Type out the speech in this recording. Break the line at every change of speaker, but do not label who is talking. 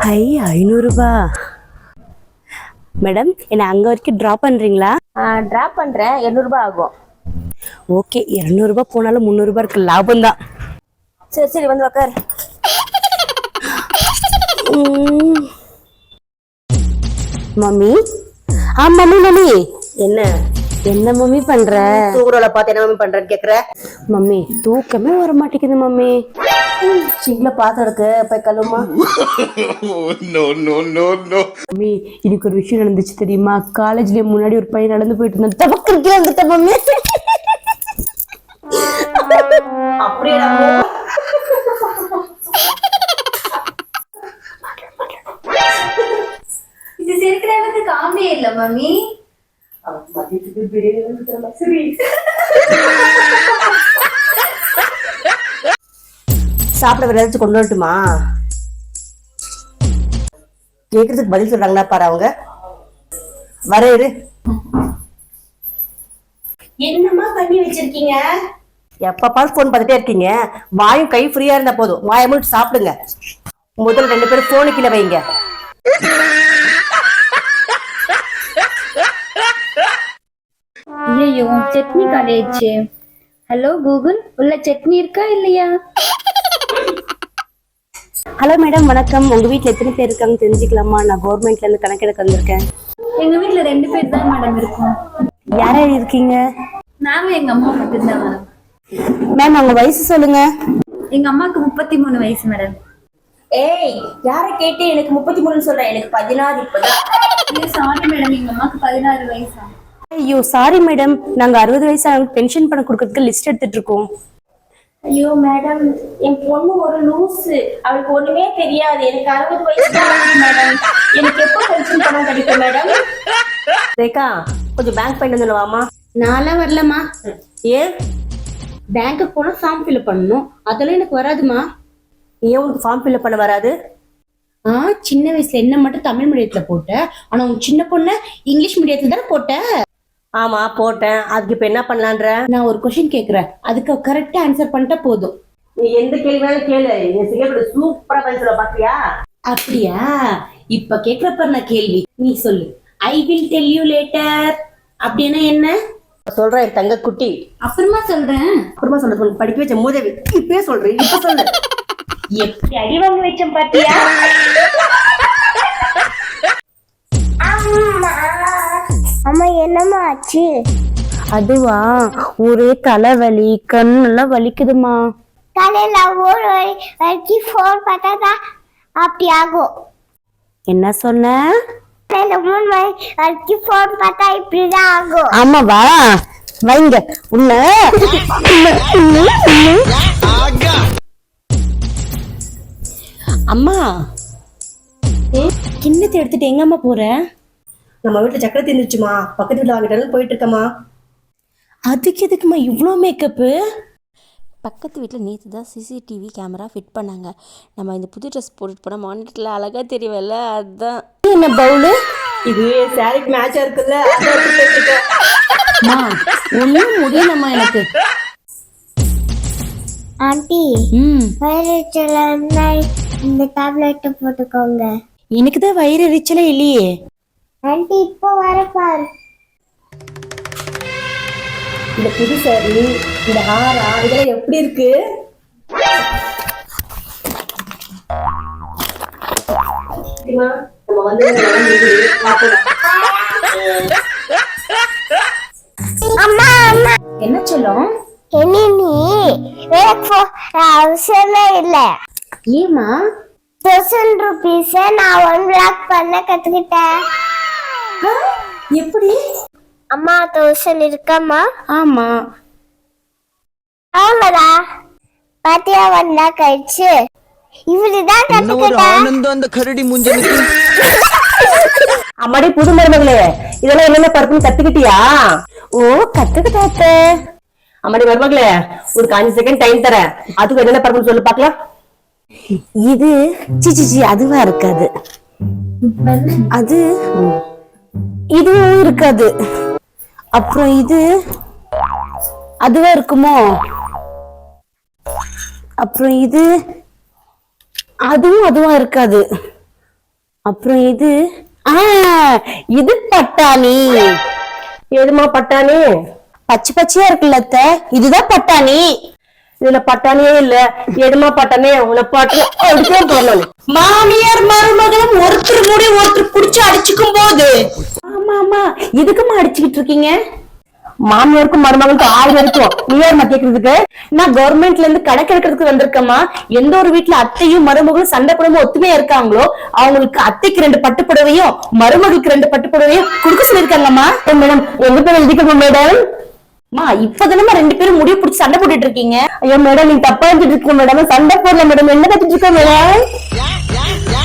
ஐ 500 ரூபாய். மேடம் என்ன அங்க வரைக்கும் டிராப் பண்றீங்களா?
டிராப் பண்றேன், 200 ரூபாய் ஆகும்.
ஓகே, 200 ரூபாய் போனாலும் 300 ரூபாய் இருக்கு, லாபம் தான்.
சரி சரி வந்து உக்கார்.
மம்மி மம்மி மம்மி
என்ன
என்ன மம்மி பண்ற?
தூக்குறோல பார்த்து என்ன மம்மி பண்றேன்னு கேக்குற?
மம்மி தூக்கமே வர மாட்டேங்குது மம்மி.
சிங்க்ல பாத்திரம் இருக்கு, போய் கழுவுமா.
மம்மி இன்னைக்கு ஒரு விஷயம் நடந்துச்சு தெரியுமா? காலேஜ்ல முன்னாடி ஒரு பையன் நடந்து போயிட்டு இருந்தான், தவக்கே வந்துட்ட மம்மி.
அப்படியே
இது சிரிக்கிற அளவுக்கு காமெடி இல்ல மம்மி.
சாப்பிட வேற ஏதாச்சும் கொண்டு வரட்டுமா? கேக்குறதுக்கு பதில் சொல்றாங்களா பாரு அவங்க. வர இரு.
என்னமா பண்ணி வச்சிருக்கீங்க?
எப்ப பாரு போன் பார்த்துட்டே இருக்கீங்க. வாயும் கை ஃப்ரீயா இருந்தா போதும், வாயை மூடி சாப்பிடுங்க. முதல்ல 2 பேரும் போனு கீழே வைங்க.
ஐயோ சட்னி காலேஜ். ஹலோ கூகுள், உள்ள சட்னி இருக்கா இல்லையா?
ஹலோ மேடம் வணக்கம். உங்க வீட்டுல எத்தனை பேர் இருக்காங்க தெரிஞ்சுக்கலாமா? நான் கவர்மெண்ட்ல இருந்து கணக்கெடுக்க வந்திருக்கேன்.
எங்க வீட்டுல 2 பேர் தான் மேடம் இருக்கோம்.
யார் யார் இருக்கீங்க?
நாங்க எங்க அம்மா மட்டும் தான் மேடம்.
மேம் உங்க வயசு சொல்லுங்க.
எங்க அம்மாக்கு 33 வயசு மேடம்.
ஏய், யார கேட்டு எனக்கு 33 சொல்றேன்? எனக்கு 16 இப்பதான்.
சாரி மேடம், எங்க அம்மாக்கு 16 வயசா?
ஐயோ சாரி மேடம், நாங்க 60 வயசு பென்ஷன் பணம் கொடுக்கறதுக்கு லிஸ்ட் எடுத்துட்டு இருக்கோம்.
ஐயோ மேடம், என் பொண்ணு ஒரு லூசு, அவளுக்கு ஒண்ணுமே தெரியாது. எனக்கு 60 வயசு தான் மேடம். எனக்கு எப்போ பென்ஷன் பணம் கிடைக்கும் மேடம்? ரேகா, கொஞ்சம் பேங்க் போயிட்டு வந்துடுவாமா.
நான்லாம் வரலமா.
ஏன்?
பேங்க்குக்கு போனா ஃபார்ம் ஃபில்அப் பண்ணணும், அதெல்லாம் எனக்கு வராதுமா.
ஏன் உனக்கு ஃபார்ம் ஃபில்அப் பண்ண வராது?
சின்ன வயசுல என்ன மட்டும் தமிழ் மீடியத்துல போட்ட, ஆனா உங்க சின்ன பொண்ணு இங்கிலீஷ் மீடியத்துல தானே போட்ட.
ஆமா போட்டேன். அதுக்கு இப்ப என்ன பண்ணலான்ற?
நான் ஒரு கொஸ்டின் கேக்குறேன், அதுக்கு கரெக்டா ஆன்சர் பண்ணிட்டா போதும்.
நீ எந்த கேள்வியாலும் கேளு, என் சிங்கப்பூர் சூப்பரா பதில் சொல்ல பாத்தியா?
அப்படியா? இப்ப கேக்குறப்ப நான் கேள்வி நீ சொல்லு. I will tell you later அப்படின்னா என்ன?
சொல்றேன் என் தங்க குட்டி.
அப்புறமா சொல்றேன்.
அப்புறமா சொல்றேன். படிக்க வச்ச மூதேவி இப்பயே சொல்றேன், இப்ப சொல்லு.
எப்படி அடி வாங்க வச்சேன் பாத்தியா?
அம்மா என்னம்மா ஆச்சு?
அதுவா, ஒரே தலைவலி, கண்ணெல்லாம் வலிக்குதுமா.
காலையில ஒரு வரைக்கும் ஃபோன் பார்த்தாதான் அப்படி ஆகும்.
என்ன சொன்ன?
காலையில 3 மணி வரைக்கும் ஃபோன் பார்த்தா இப்படிதான் ஆகும்.
ஆமாவா? வைங்க உன்ன. அம்மா கிண்ணத்தை எடுத்துட்டு எங்க அம்மா போற?
நம்ம வீட்டுல சக்கரை தீர்ந்துச்சுமா, பக்கத்து வீட்டுல வாங்கிட்டாலும் போயிட்டு இருக்கமா.
அதுக்கு எதுக்குமா இவ்வளோ மேக்கப்பு?
பக்கத்து வீட்டில் நேற்று தான் சிசிடிவி கேமரா ஃபிட் பண்ணாங்க. நம்ம இந்த புது ட்ரெஸ் போட்டுட்டு போனால் மானிட்டரில் அழகாக தெரியவில்ல, அதுதான்.
என்ன பவுலு
இது? சாரிக்கு மேட்சா இருக்குல்ல.
ஒன்றும் முடியலம்மா எனக்கு.
ஆண்டி வயிறுச்சல இந்த டேப்லெட் போட்டுக்கோங்க.
எனக்கு தான் வயிறு எரிச்சலே இல்லையே.
ஆண்டி இப்போ வர பாரு.
இந்த புது சாரி, இந்த ஹாரா, இதெல்லாம் எப்படி இருக்கு? நம்ம வந்து
அம்மா அம்மா
என்ன சொல்லும்?
இனி நீ எனக்கு அவசியமே இல்லை.
ஏமா?
1000 rupees நான் 1 lakh பண்ண கத்துக்கிட்டேன்.
எப்படி?
அம்மா 1000 இருக்கம்மா?
ஆமா.
ஆமாடா, பாத்தியா 1 lakh ஆயிடுச்சு. இவருதான் கத்துக்கிட்டேன்.
அந்த கரடி மூஞ்சனுக்கு.
அம்மாடி புது மருமகளே, இதெல்லாம் என்னென்ன பருப்புன்னு கத்துக்கிட்டியா?
ஓ கத்துக்கிட்டாத்த.
அம்மாடி மருமகளே, ஒரு 5 செகண்ட் டைம் தரேன், அதுக்கு என்னென்ன பருப்புன்னு சொல்லு பாக்கலாம்.
இது சிச்சி அதுவா இருக்காது. அது இதுவும் இருக்காது. அப்புறம் இது அதுவா இருக்குமோ? அப்புறம் இது அதுவும் அதுவா இருக்காது. அப்புறம் இது பட்டாணி.
எதுமா பட்டாணி?
பச்சை பச்சையா இருக்குல்ல அத்தை, இதுதான் பட்டாணி.
இதுல பட்டாணியே இல்ல. எதுமா பட்டாணி? உன்னை பாட்டு போடணும்.
மாமியார் மருமகளும் ஒருத்தர் மூடி ஒருத்தர் புடிச்சு அடிச்சுக்கும் போது. ஆமா ஆமா, இதுக்குமா அடிச்சுக்கிட்டு இருக்கீங்க?
மாமியாருக்கும் மருமகளுக்கும் 1000 இருக்கும். நீ யாருமா கேக்குறதுக்கு?
நான் கவர்மெண்ட்ல இருந்து கணக்கு எடுக்கிறதுக்கு வந்திருக்கேம்மா. எந்த ஒரு வீட்டுல அத்தையும் மருமகளும் சண்டை போடாம ஒத்துமையா இருக்காங்களோ அவங்களுக்கு அத்தைக்கு 2 பட்டுப்புடவையும் மருமகளுக்கு 2 பட்டுப்புடவையும் கொடுக்க சொல்லிருக்காங்கம்மா.
மேடம் எங்க பேர் எழுதிக்கணும் மேடம்?
இப்பதானமா 2 பேரும் முடிவு பிடிச்சி சண்டை போட்டுட்டு இருக்கீங்க.
ஐயோ மேடம், நீ தப்பா எழுதிட்டு இருக்க மேடம். சண்டை போடல மேடம். என்ன கத்திட்டு இருக்க மேடம்?